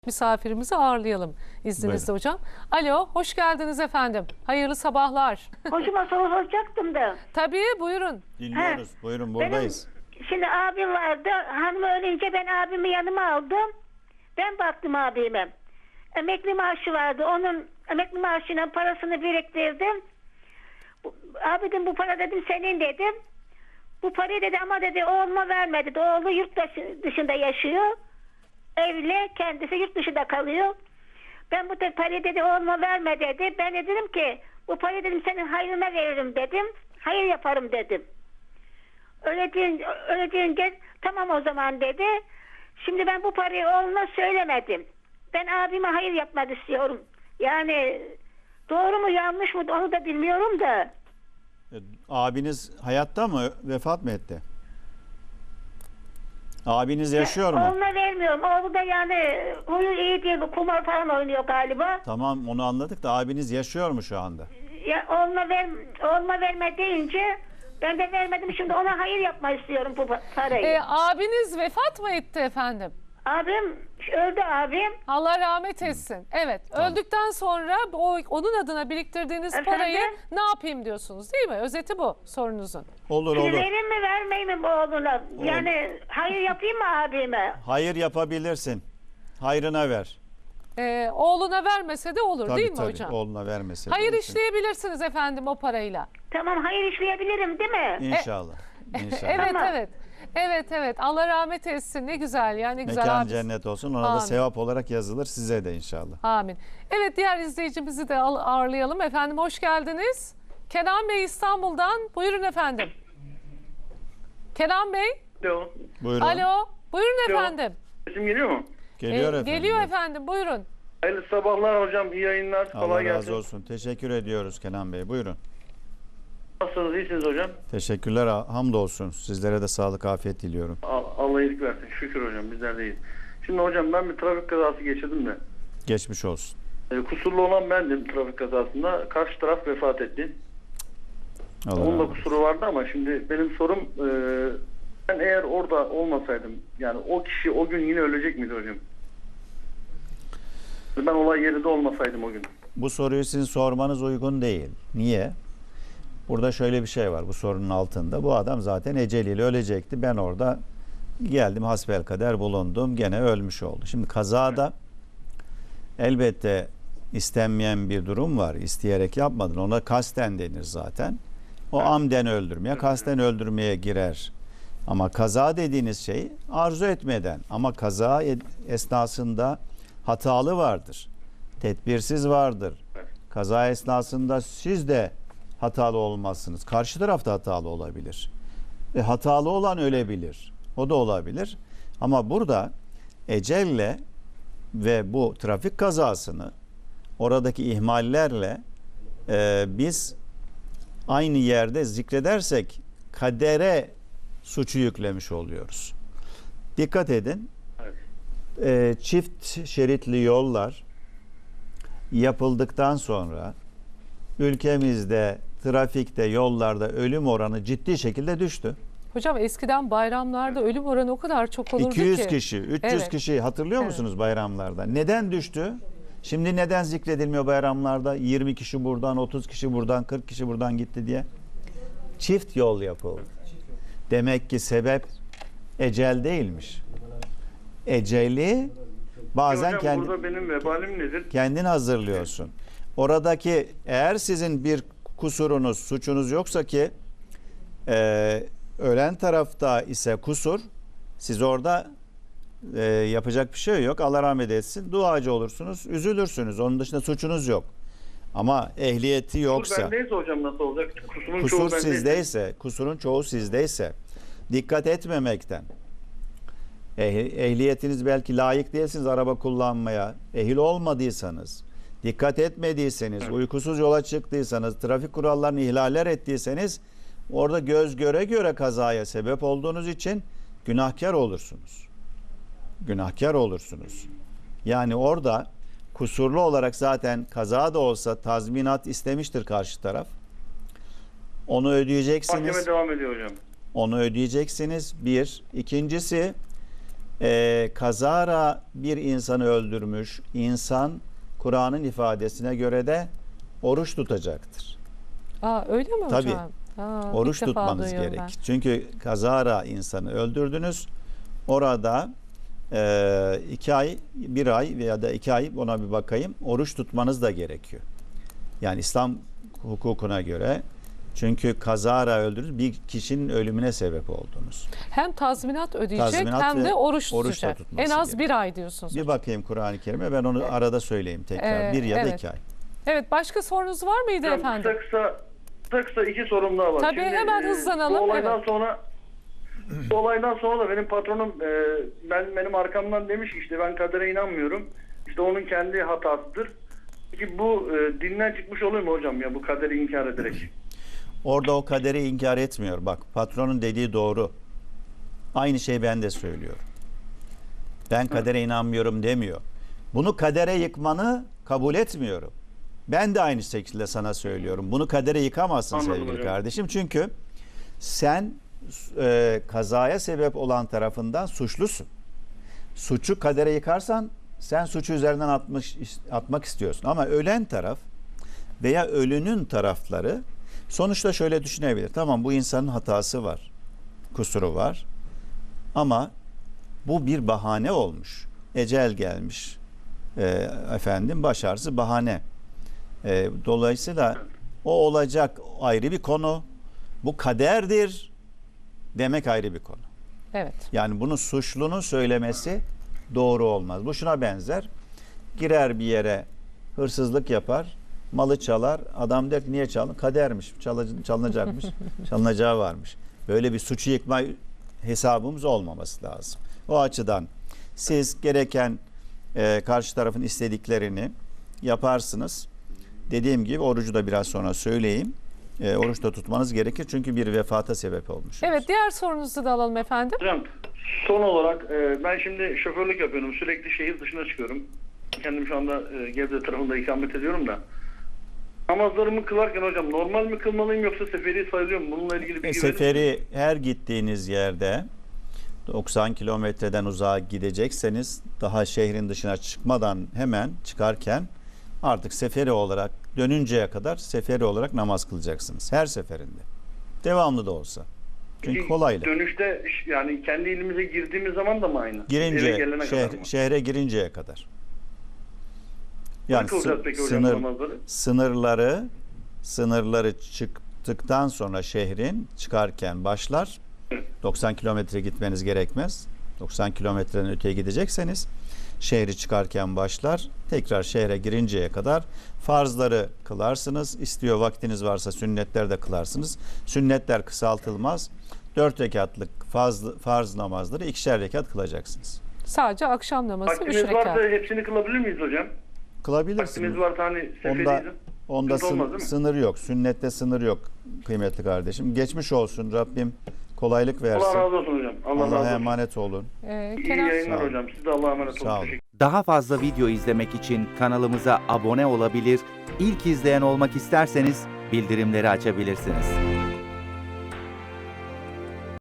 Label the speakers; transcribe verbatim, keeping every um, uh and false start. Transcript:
Speaker 1: Misafirimizi ağırlayalım izninizle
Speaker 2: Buyurun.
Speaker 1: hocam. Alo, hoş geldiniz efendim. Hayırlı sabahlar.
Speaker 3: Hocama soru soracaktım da.
Speaker 1: Tabii, buyurun.
Speaker 2: Dinliyoruz.
Speaker 3: He.
Speaker 2: Buyurun buradayız.
Speaker 3: Benim şimdi abim vardı. Hanım ölünce ben abimi yanıma aldım. Ben baktım abime. Emekli maaşı vardı. Onun emekli maaşıyla parasını biriktirdim. Bu- Abi dedim bu para dedim senin dedim. Bu parayı dedi ama dedi oğluma vermedi. Dedi. Oğlu yurt dışı- dışında yaşıyor. Evli, kendisi yurt dışında kalıyor. Ben bu de parayı dedi oğluma verme dedi. Ben de dedim ki bu parayı dedim senin hayrına veririm dedim. Hayır yaparım dedim. Öyle deyince, öyle deyince tamam o zaman dedi. Şimdi ben bu parayı oğluna söylemedim. Ben abime hayır yapmak istiyorum. Yani doğru mu yanlış mı onu da bilmiyorum da.
Speaker 2: E, Abiniz hayatta mı? Vefat mı etti? Abiniz yaşıyor mu?
Speaker 3: Oğluna vermiyorum. Oğlu da yani huyu iyi değil. Kumar falan oynuyor galiba.
Speaker 2: Tamam, onu anladık da abiniz yaşıyor mu şu anda?
Speaker 3: Ya oğluna ver, oğluna verme deyince ben de vermedim. Şimdi ona hayır yapmak istiyorum bu parayı.
Speaker 1: Ee, abiniz vefat mı etti efendim?
Speaker 3: Abim öldü abim.
Speaker 1: Allah rahmet etsin. Evet, öldükten sonra o, onun adına biriktirdiğiniz
Speaker 3: Efendim?
Speaker 1: parayı ne yapayım diyorsunuz değil mi? Özeti bu sorunuzun.
Speaker 2: Olur
Speaker 3: Şimdi
Speaker 2: olur.
Speaker 3: vereyim mi vermeyeyim mi bu oğluna? Yani hayır yapayım mı abime?
Speaker 2: Hayır yapabilirsin. Hayrına ver.
Speaker 1: Ee, oğluna vermese de olur
Speaker 2: Tabii
Speaker 1: değil mi
Speaker 2: tabii.
Speaker 1: hocam?
Speaker 2: Oğluna vermesin.
Speaker 1: Hayır işleyebilirsiniz efendim o parayla.
Speaker 3: Tamam hayır işleyebilirim değil mi?
Speaker 2: İnşallah. İnşallah.
Speaker 1: Evet
Speaker 3: Tamam.
Speaker 1: evet. Evet evet. Allah rahmet etsin. Ne güzel ya ne güzel.
Speaker 2: Mekan
Speaker 1: abisi.
Speaker 2: cennet olsun. Ona
Speaker 1: Amin.
Speaker 2: da sevap olarak yazılır size de inşallah.
Speaker 1: Amin. Evet, diğer izleyicimizi de al- ağırlayalım. Efendim hoş geldiniz. Kenan Bey İstanbul'dan. Buyurun efendim. Kenan Bey.
Speaker 4: Alo.
Speaker 2: Buyurun.
Speaker 1: Alo. Buyurun
Speaker 4: Alo.
Speaker 1: efendim.
Speaker 4: Sesim geliyor mu?
Speaker 2: Geliyor
Speaker 1: Ee,
Speaker 2: efendim.
Speaker 1: Geliyor efendim. Buyurun.
Speaker 4: Hayırlı sabahlar hocam. İyi yayınlar.
Speaker 2: Allah
Speaker 4: Kolay
Speaker 2: razı
Speaker 4: gelsin.
Speaker 2: olsun. Teşekkür ediyoruz Kenan Bey. Buyurun.
Speaker 4: Nasılsınız? İyisiniz hocam.
Speaker 2: Teşekkürler. Hamdolsun. Sizlere de sağlık, afiyet diliyorum.
Speaker 4: Al- Allah iyilik versin. Şükür hocam. Bizler de iyiyiz. Şimdi hocam ben bir trafik kazası geçirdim de.
Speaker 2: Geçmiş olsun.
Speaker 4: E, kusurlu olan bendim trafik kazasında. Karşı taraf vefat etti.
Speaker 2: Allah
Speaker 4: Onun
Speaker 2: razı
Speaker 4: da
Speaker 2: olsun.
Speaker 4: kusuru vardı ama şimdi benim sorum e, ben eğer orada olmasaydım yani o kişi o gün yine ölecek miydi hocam? Ben olay yerinde olmasaydım o gün.
Speaker 2: Bu soruyu sizin sormanız uygun değil. Niye? Burada şöyle bir şey var bu sorunun altında. Bu adam zaten eceliyle ölecekti. Ben orada geldim hasbelkader bulundum. Gene ölmüş oldu. Şimdi kazada elbette istenmeyen bir durum var. İsteyerek yapmadın. Ona kasten denir zaten. O amden öldürmeye, kasten öldürmeye girer. Ama kaza dediğiniz şey arzu etmeden. Ama kaza esnasında hatalı vardır. Tedbirsiz vardır. Kaza esnasında siz de hatalı olmazsınız. Karşı taraf da hatalı olabilir. E, hatalı olan ölebilir. O da olabilir. Ama burada ecelle ve bu trafik kazasını oradaki ihmallerle e, biz aynı yerde zikredersek kadere suçu yüklemiş oluyoruz. Dikkat edin.
Speaker 4: Evet.
Speaker 2: E, çift şeritli yollar yapıldıktan sonra ülkemizde trafikte, yollarda ölüm oranı ciddi şekilde düştü.
Speaker 1: Hocam eskiden bayramlarda ölüm oranı o kadar çok olurdu
Speaker 2: iki yüz
Speaker 1: ki.
Speaker 2: kişi, üç yüz
Speaker 1: Evet.
Speaker 2: kişi hatırlıyor
Speaker 1: Evet.
Speaker 2: musunuz bayramlarda? Neden düştü? Şimdi neden zikredilmiyor bayramlarda? yirmi kişi buradan, otuz kişi buradan, kırk kişi buradan gitti diye. Çift yol yapıldı. Demek ki sebep ecel değilmiş. Eceli bazen
Speaker 4: hocam
Speaker 2: kendi,
Speaker 4: burada benim vebalim nedir?
Speaker 2: kendin hazırlıyorsun. Oradaki eğer sizin bir kusurunuz, suçunuz yoksa ki e, ölen tarafta ise kusur, siz orada e, yapacak bir şey yok. Allah rahmet etsin. Duacı olursunuz, üzülürsünüz. Onun dışında suçunuz yok. Ama ehliyeti
Speaker 4: Kusur
Speaker 2: yoksa,
Speaker 4: bendeyse hocam nasıl olacak? Kusurun
Speaker 2: kusur
Speaker 4: çoğu bendeyse.
Speaker 2: sizdeyse, kusurun çoğu sizdeyse, dikkat etmemekten, eh- ehliyetiniz belki layık değilsiniz araba kullanmaya, ehil olmadıysanız, dikkat etmediyseniz, uykusuz yola çıktıysanız, trafik kurallarını ihlaller ettiyseniz, orada göz göre göre kazaya sebep olduğunuz için günahkar olursunuz. Günahkar olursunuz. Yani orada kusurlu olarak zaten kaza da olsa tazminat istemiştir karşı taraf. Onu ödeyeceksiniz.
Speaker 4: Mahkeme devam ediyor hocam.
Speaker 2: Onu ödeyeceksiniz. Bir. İkincisi e, kazara bir insanı öldürmüş insan Kur'an'ın ifadesine göre de oruç tutacaktır.
Speaker 1: Aa, öyle mi
Speaker 2: Tabii.
Speaker 1: hocam? Aa,
Speaker 2: Oruç
Speaker 1: ilk defa
Speaker 2: tutmanız
Speaker 1: duyuyorum
Speaker 2: gerek.
Speaker 1: ben.
Speaker 2: Çünkü kazara insanı öldürdünüz. Orada e, iki ay, bir ay veya da iki ay ona bir bakayım. Oruç tutmanız da gerekiyor. Yani İslam hukukuna göre. Çünkü kazara öldürür bir kişinin ölümüne sebep oldunuz.
Speaker 1: Hem tazminat ödeyecek
Speaker 2: Tazminat
Speaker 1: hem
Speaker 2: ve
Speaker 1: de oruç
Speaker 2: oruç da
Speaker 1: tutacak.
Speaker 2: tutması
Speaker 1: En az
Speaker 2: gerekiyor.
Speaker 1: bir ay diyorsunuz.
Speaker 2: Bir bakayım Kur'an-ı Kerim'e, ben onu arada söyleyeyim tekrar.
Speaker 1: Ee,
Speaker 2: bir ya da
Speaker 1: evet.
Speaker 2: iki ay.
Speaker 1: Evet, başka sorunuz var mıydı
Speaker 4: Hocam,
Speaker 1: efendim?
Speaker 4: Kısa kısa, kısa kısa iki sorum daha var.
Speaker 1: Tabii, hemen
Speaker 4: e,
Speaker 1: hızlanalım,
Speaker 4: Bu olaydan
Speaker 1: evet.
Speaker 4: sonra bu olaydan sonra da benim patronum e, ben benim arkamdan demiş ki işte ben kadere inanmıyorum. İşte onun kendi hatasıdır. Peki bu e, dinden çıkmış olur mu hocam ya bu kaderi inkar ederek?
Speaker 2: Orada o kaderi inkar etmiyor. Bak, patronun dediği doğru. Aynı şey ben de söylüyorum. Ben kadere inanmıyorum demiyor. Bunu kadere yıkmanı kabul etmiyorum. Ben de aynı şekilde sana söylüyorum. Bunu kadere yıkamazsın
Speaker 4: Anladım
Speaker 2: sevgili
Speaker 4: hocam.
Speaker 2: kardeşim. Çünkü sen e, kazaya sebep olan tarafından suçlusun. Suçu kadere yıkarsan sen suçu üzerinden atmış, atmak istiyorsun. Ama ölen taraf veya ölünün tarafları sonuçta şöyle düşünebilir. Tamam, bu insanın hatası var, kusuru var ama bu bir bahane olmuş. Ecel gelmiş. E, efendim baş ağrısı bahane. E, dolayısıyla o olacak ayrı bir konu. Bu kaderdir demek ayrı bir konu.
Speaker 1: Evet.
Speaker 2: Yani bunu suçlunun söylemesi doğru olmaz. Bu şuna benzer. Girer bir yere, hırsızlık yapar, malı çalar. Adam der ki niye çaldın? Kadermiş, çalı- çalınacakmış, çalınacağı varmış. Böyle bir suçu yıkma hesabımız olmaması lazım. O açıdan siz gereken e, karşı tarafın istediklerini yaparsınız. Dediğim gibi orucu da biraz sonra söyleyeyim. E, oruç da tutmanız gerekir çünkü bir vefata sebep olmuş.
Speaker 1: Evet, diğer sorunuzu da alalım efendim.
Speaker 4: Hocam son olarak e, ben şimdi şoförlük yapıyorum. Sürekli şehir dışına çıkıyorum. Kendim şu anda e, Gebze tarafında ikamet ediyorum da. Namazlarımı kılarken hocam normal mi kılmalıyım yoksa seferi sayılıyor mu? Bununla ilgili bilgi
Speaker 2: E,
Speaker 4: verir misiniz?
Speaker 2: seferi her gittiğiniz yerde doksan kilometreden uzağa gidecekseniz daha şehrin dışına çıkmadan hemen çıkarken artık seferi olarak dönünceye kadar seferi olarak namaz kılacaksınız. Her seferinde. Devamlı da olsa. Çünkü
Speaker 4: Peki,
Speaker 2: kolaylık.
Speaker 4: Dönüşte ş- yani kendi ilimize girdiğimiz zaman da mı aynı? Eve
Speaker 2: Girince,
Speaker 4: gelene
Speaker 2: şehre,
Speaker 4: kadar mı?
Speaker 2: şehre girinceye kadar.
Speaker 4: Ne
Speaker 2: Yani
Speaker 4: kılacağız
Speaker 2: sı-
Speaker 4: peki hocam
Speaker 2: sınır,
Speaker 4: namazları?
Speaker 2: sınırları sınırları çıktıktan sonra şehrin çıkarken başlar. doksan kilometre gitmeniz gerekmez. doksan kilometrenin öteye gidecekseniz şehri çıkarken başlar. Tekrar şehre girinceye kadar farzları kılarsınız. İstiyor vaktiniz varsa sünnetler de kılarsınız. Sünnetler kısaltılmaz. Dört rekatlık farz, farz namazları ikişer rekat kılacaksınız.
Speaker 1: Sadece akşam namazı üç
Speaker 4: Vaktimiz
Speaker 1: rekat.
Speaker 4: varsa hepsini kılabilir miyiz hocam?
Speaker 2: Kılabilirsiniz.
Speaker 4: Vaktimiz varsa hani seferiyiz.
Speaker 2: Onda, onda
Speaker 4: Sıkıntı olmaz
Speaker 2: sın-
Speaker 4: değil mi?
Speaker 2: sınır yok. Sünnette sınır yok kıymetli kardeşim. Geçmiş olsun. Rabbim kolaylık versin.
Speaker 4: Allah razı olsun hocam. Allah, razı
Speaker 2: Allah'a
Speaker 4: olsun.
Speaker 2: emanet olun.
Speaker 1: Ee,
Speaker 4: İyi
Speaker 1: Kenan,
Speaker 4: yayınlar
Speaker 2: Sağ olun.
Speaker 4: hocam. Siz de Allah'a emanet olun.
Speaker 2: Sağ olun.
Speaker 4: Teşekkür
Speaker 5: Daha fazla video izlemek için kanalımıza abone olabilir, ilk izleyen olmak isterseniz bildirimleri açabilirsiniz.